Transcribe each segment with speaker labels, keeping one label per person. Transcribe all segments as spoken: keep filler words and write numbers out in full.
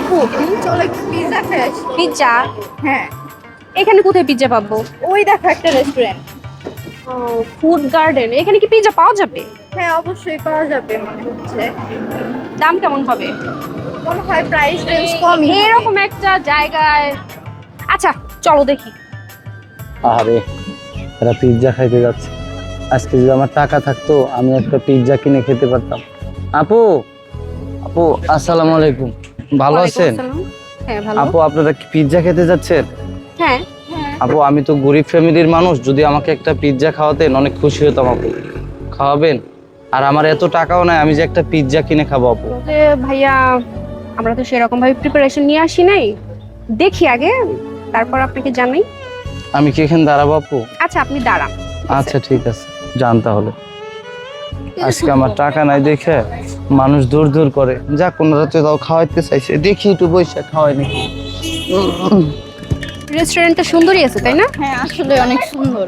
Speaker 1: আপু চলো একটু পিৎজা খেয়ে আসি।
Speaker 2: পিৎজা?
Speaker 1: হ্যাঁ।
Speaker 2: এখানে কোথায় পিৎজা পাবো?
Speaker 1: ওই দেখো একটা রেস্টুরেন্ট।
Speaker 2: ও, ফুড গার্ডেন। এখানে কি পিৎজা পাওয়া যাবে?
Speaker 1: হ্যাঁ অবশ্যই পাওয়া যাবে মনে হচ্ছে।
Speaker 2: দাম কেমন হবে?
Speaker 1: মনে হয় প্রাইস রেঞ্জ কমই হবে।
Speaker 2: এরকম একটা জায়গায়, আচ্ছা চলো দেখি।
Speaker 3: আরে এরা পিৎজা খাইতে যাচ্ছে। আজকে যদি আমার টাকা থাকতো আমি একটা পিৎজা কিনে খেতে পারতাম। আপু, আপু আসসালামু আলাইকুম, ভালো আছেন?
Speaker 2: হ্যাঁ ভালো।
Speaker 3: আপু আপনারা কি পিৎজা খেতে যাচ্ছেন?
Speaker 2: হ্যাঁ।
Speaker 3: আপু আমি তো গরিব ফ্যামিলির মানুষ, যদি আমাকে একটা পিৎজা খাওয়াতেন অনেক খুশি হতাম। আপু খাওয়াবেন? আর আমার এত টাকাও নাই আমি যে একটা পিৎজা কিনে খাবো। আপু
Speaker 2: বলতে ভাইয়া আমরা তো সেরকম ভাবে প্রিপারেশন নিয়ে আসি নাই, দেখি আগে তারপর আপনাকে জানাই।
Speaker 3: আমি কি এখানে দাঁড়াবো আপু?
Speaker 2: আচ্ছা আপনি দাঁড়ান।
Speaker 3: আচ্ছা ঠিক আছে, যান তাহলে। আজকে আমার টাকা নাই দেখে মানুষ দূর দূর করে, যা কোন রাতে তাও খাওয়াইতে চাইছে, দেখি একটু বৈশা খাওয়াই নাকি।
Speaker 2: রেস্টুরেন্টটা সুন্দরই আছে তাই না?
Speaker 1: হ্যাঁ আসলে অনেক সুন্দর।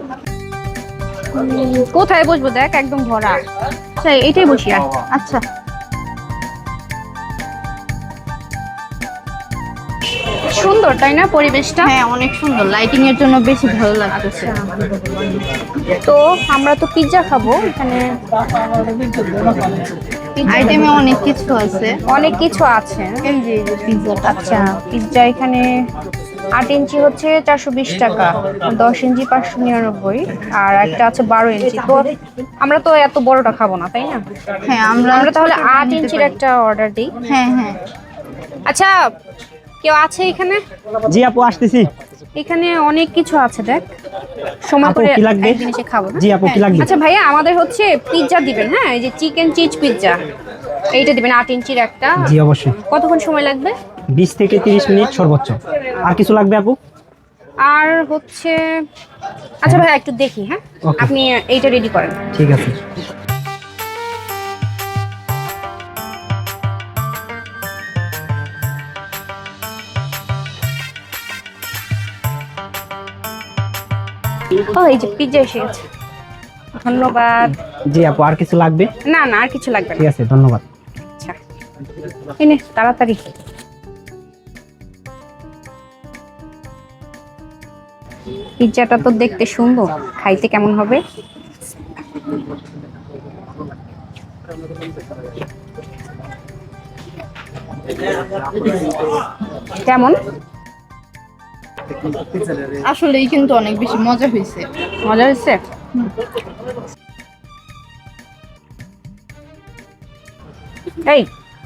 Speaker 2: কোথায় বসবো দেখ, একদম ভরা। আচ্ছা এইটাই বসি আর।
Speaker 1: আচ্ছা
Speaker 2: সুন্দর তাই না পরিবেশটা?
Speaker 1: হ্যাঁ অনেক সুন্দর, লাইটিং এর জন্য বেশি ভালো লাগতেছে।
Speaker 2: তো আমরা তো পিৎজা খাবো, এখানে
Speaker 1: আইটেমে অনেক কিছু আছে।
Speaker 2: অনেক কিছু আছে।
Speaker 1: এই যে এই যে পিৎজাটা।
Speaker 2: আচ্ছা পিৎজা এখানে আট ইঞ্চি হচ্ছে চারশো বিশ টাকা, দশ ইঞ্চি পাঁচশো নিরানব্বই, আর একটা আছে বারো ইঞ্চি। তো আমরা তো এত বড়টা খাবো না তাই না?
Speaker 1: হ্যাঁ আমরা
Speaker 2: আমরা তাহলে
Speaker 1: ছোটটা
Speaker 2: আট
Speaker 1: নিতে
Speaker 2: ইঞ্চির
Speaker 1: পারি।
Speaker 2: একটা অর্ডার দিই।
Speaker 1: হ্যাঁ হ্যাঁ।
Speaker 2: আচ্ছা কেউ আছে এখানে?
Speaker 4: জি আপু আসতেছি।
Speaker 2: এখানে অনেক কিছু আছে দেখ, সময়
Speaker 4: আপু,
Speaker 2: করে
Speaker 4: কি লাগবে?
Speaker 2: একদিন এসে খাবো না?
Speaker 4: জি আপু কি লাগবে?
Speaker 2: আচ্ছা ভাইয়া আমাদের হচ্ছে পিৎজা দিবেন, হ্যাঁ এই যে চিকেন চিজ পিৎজা এইটা দিবেন আট ইঞ্চির একটা।
Speaker 4: জি অবশ্যই।
Speaker 2: কতক্ষণ সময় লাগবে?
Speaker 4: বিশ থেকে তিরিশ মিনিট সর্বোচ্চ। আর কিছু লাগবে আপু?
Speaker 2: আর হচ্ছে আচ্ছা ভাইয়া একটু দেখি, হ্যাঁ
Speaker 4: Okay.
Speaker 2: আপনি এইটা রেডি করেন।
Speaker 4: ঠিক আছে।
Speaker 2: ও এই যে পিৎজা এসে গেছে, ধন্যবাদ।
Speaker 4: জি আপু আর কিছু লাগবে?
Speaker 2: না না আর কিছু লাগবে
Speaker 4: ঠিক
Speaker 2: না।
Speaker 4: আছে ধন্যবাদ।
Speaker 2: আচ্ছা এই নে তাড়াতাড়ি। পিৎজাটা তো দেখতে সুন্দর, খাইতে কেমন হবে? কেমন?
Speaker 1: আসলেই কিন্তু অনেক বেশি মজা হয়েছে।
Speaker 2: মজা হয়েছে? এই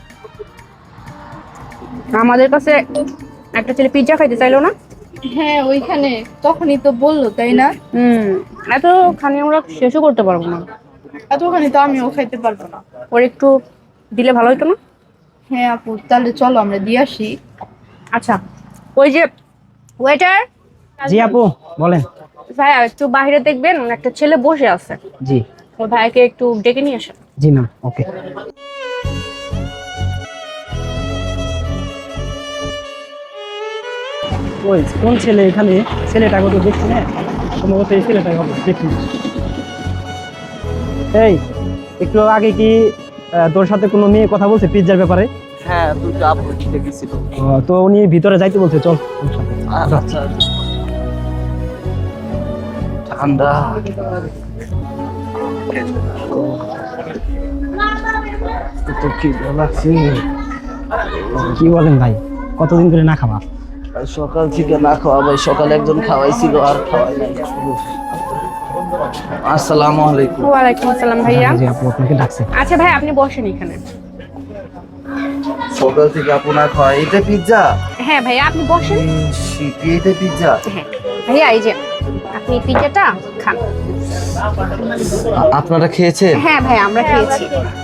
Speaker 2: আমাদের কাছে একটা ছেলে পিৎজা খাইতে চাইলো না?
Speaker 1: হ্যাঁ ওইখানে তখনই তো বললো তাই না?
Speaker 2: হুম এত খানি আমরা শেষও করতে পারবো না।
Speaker 1: এতখানি তো আমিও খাইতে পারবো না।
Speaker 2: ওর একটু দিলে ভালো হতো না?
Speaker 1: হ্যাঁ আপু তাহলে চলো আমরা দিয়ে আসি।
Speaker 2: আচ্ছা ওই যে ওয়েটার।
Speaker 4: জি আপু বলেন।
Speaker 2: ভাইয়া একটু বাইরে দেখবেন, একটা ছেলে বসে আছে,
Speaker 4: জি
Speaker 2: ওই ভাইকে একটু ডেকে নিয়ে আসেন।
Speaker 4: জি ম্যাম ওকে। ওই কোন ছেলে এখানে? ছেলেটাকে তো দেখছি না, সম্ভবত এই ছেলেটাই হবে, দেখি। এই একটু আগে কি আহ, তোর সাথে কোনো মেয়ে কথা বলছে পিৎজার ব্যাপারে?
Speaker 3: হ্যাঁ দুটো আপু দেখেছিল।
Speaker 4: ও, তো উনি ভিতরে যাইতে বলছে, চল ওর সাথে।
Speaker 3: আচ্ছা ঠান্ডা। তো কি লাগছে?
Speaker 4: কি বলেন ভাই, কতদিন ধরে না খাওয়া?
Speaker 3: সকাল থেকে না খাওয়া ভাই, সকালে একজন খাওয়াইছিল আর খাওয়াই নাই। আসসালামু আলাইকুম।
Speaker 2: ওয়ালাইকুম আসসালাম ভাইয়া।
Speaker 4: জি আপু আপনাকে ডাকছে।
Speaker 2: আচ্ছা ভাই আপনি বসেন এখানে।
Speaker 3: সকাল থেকে আপু না খাওয়া, এটা পিৎজা?
Speaker 2: হ্যাঁ ভাইয়া আপনি বসেন।
Speaker 3: শীতে এটা পিৎজা?
Speaker 2: হ্যাঁ ভাইয়া এই যে আপনি পিৎজাটা খান।
Speaker 3: আপনারা খেয়েছেন?
Speaker 2: হ্যাঁ ভাই আমরা খেয়েছি।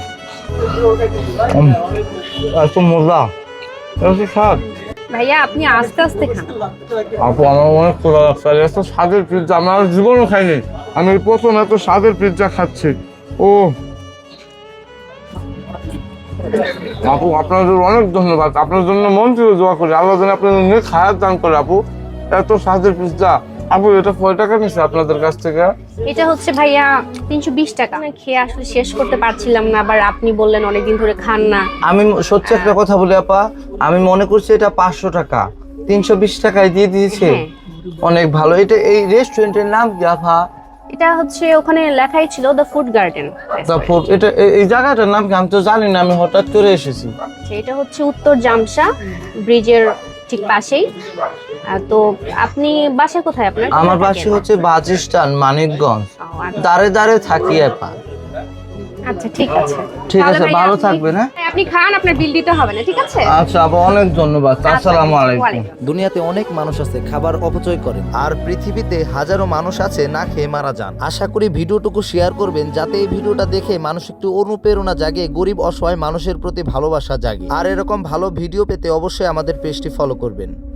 Speaker 3: এত মজা, এত স্বাদ।
Speaker 2: ভাইয়া আপনি আস্তে আস্তে খান।
Speaker 5: আপু আমার অনেক ক্ষুধা লাগছে, আর এত স্বাদের পিৎজা আমি আর জীবনও খাইনি। আমি এই প্রথম এত স্বাদের পিৎজা খাচ্ছি। ও আপু আপনাদের অনেক ধন্যবাদ, আপনার জন্য মন থেকে দোয়া করি, আল্লাহ যেন আপনাদের নেক হায়াত দান করে। আপু এত স্বাদের পিৎজা আপু এটা কয় টাকা নিছে আপনাদের কাছ থেকে?
Speaker 2: এটা হচ্ছে ভাইয়া তিনশো বিশ টাকা। আমি খেয়ে আসলে শেষ করতে পারছিলাম না, আবার আপনি বললেন অনেকদিন ধরে খান না।
Speaker 3: আমি সত্যি একটা কথা বলি আপা, আমি মনে করছি এটা পাঁচশো টাকা, তিনশো বিশ টাকায় দিয়ে দিয়েছে।
Speaker 2: হ্যাঁ।
Speaker 3: অনেক ভালো। এটা এই রেস্টুরেন্টের নাম কি আপা?
Speaker 2: এটা হচ্ছে ওখানে লেখাই ছিল দ্য ফুড গার্ডেন।
Speaker 3: তারপর এটা এই- এই জায়গাটার নাম কি? আমি তো জানি না, আমি হঠাৎ করে এসেছি।
Speaker 2: এটা হচ্ছে উত্তর জামসা ব্রিজের ঠিক পাশেই। আহ, তো আপনি বাসা কোথায় আপনার?
Speaker 3: আমার
Speaker 2: কোথায়
Speaker 3: বাসা
Speaker 2: থাকেন?
Speaker 3: হচ্ছে বাজিস্টান, মানিকগঞ্জ।
Speaker 2: ও, আচ্ছা।
Speaker 3: দাঁড়ে দাঁড়ে থাকি আপা।
Speaker 2: আচ্ছা ঠিক আছে।
Speaker 3: ঠিক
Speaker 2: তাহলে
Speaker 3: আছে,
Speaker 2: ভাইয়া
Speaker 3: ভালো
Speaker 2: আপনি-
Speaker 3: থাকবেন, হ্যাঁ?
Speaker 2: হ্যাঁ, আপনি খান, আপনার বিল দিতে হবে না, ঠিক আছে?
Speaker 3: আচ্ছা আপা, অনেক ধন্যবাদ। আসসালামু আলাইকুম।
Speaker 2: ওয়ালাইকুম।
Speaker 6: দুনিয়াতে অনেক মানুষ আছে খাবার অপচয় করে, আর পৃথিবীতে হাজারো মানুষ আছে না খেয়ে মারা যান। আশা করি ভিডিওটুকু শেয়ার করবেন যাতে এই ভিডিওটা দেখে মানুষ একটু অনুপ্রেরণা জাগে, গরিব অসহায় মানুষের প্রতি ভালোবাসা জাগে। আর এরকম ভালো ভিডিও পেতে অবশ্যই আমাদের পেজটি ফলো করবেন।